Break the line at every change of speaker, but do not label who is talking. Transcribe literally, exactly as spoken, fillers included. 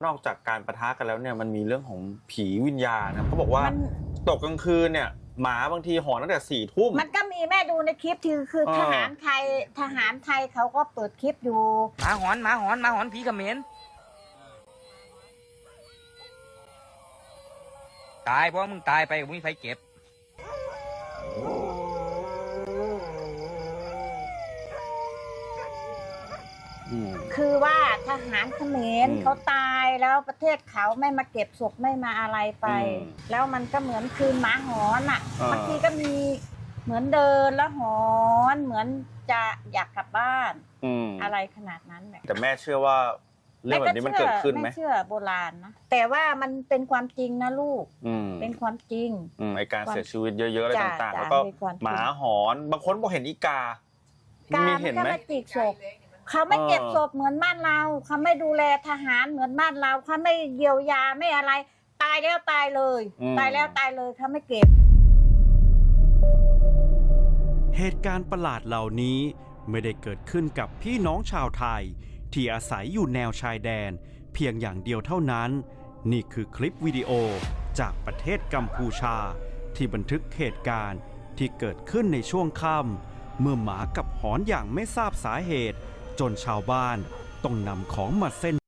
นอกจากการปะทะกันแล้วเนี่ยมันมีเรื่องของผีวิญญาณนะเขาบอกว่าตกกลางคืนเนี่ยหมาบางทีหอนตั้งแต่สี่ทุ่ม
มันก็มีแม่ดูในคลิปที่คือทหารไทยทหารไทยเขาก็เปิดคลิปอยู่
หมาหอนหมาหอนหมาหอนผีเขมรตายเพราะมึงตายไปมึงไม่มีใครเก็บ
คือว่าทหารเขมรเขาตายแล้วประเทศเขาไม่มาเก็บศพไม่มาอะไรไปแล้วมันก็เหมือนคืนหมาหอนอ่ะบางทีก็มีเหมือนเดินแล้วหอนเหมือนจะอยากกลับบ้านอะไรขนาดนั้น
แต่แม่เชื่อว่าเรื่องแบบนี้มันเกิดขึ้นไหม
ไม่เชื่อโบราณนะแต่ว่ามันเป็นความจริงนะลูกเป็นความจริง
ไอการเสียชีวิตเยอะๆอะไรต่างๆแล้วก็หมาหอนบางคนบอกเห็นอีกา
มีเห็นไหมจิกศพเขาไม่เก็บศพเหมือนบ้านเราเขาไม่ดูแลทหารเหมือนบ้านเราเขาไม่เยียวยาไม่อะไรตายแล้วตายเลยตายแล้วตายเลยเขาไม่เก็บ
เหตุการณ์ประหลาดเหล่านี้ไม่ได้เกิดขึ้นกับพี่น้องชาวไทยที่อาศัยอยู่แนวชายแดนเพียงอย่างเดียวเท่านั้นนี่คือคลิปวิดีโอจากประเทศกัมพูชาที่บันทึกเหตุการณ์ที่เกิดขึ้นในช่วงค่ำเมื่อหมากับหอนอย่างไม่ทราบสาเหตุจนชาวบ้านต้องนำของมาเส้น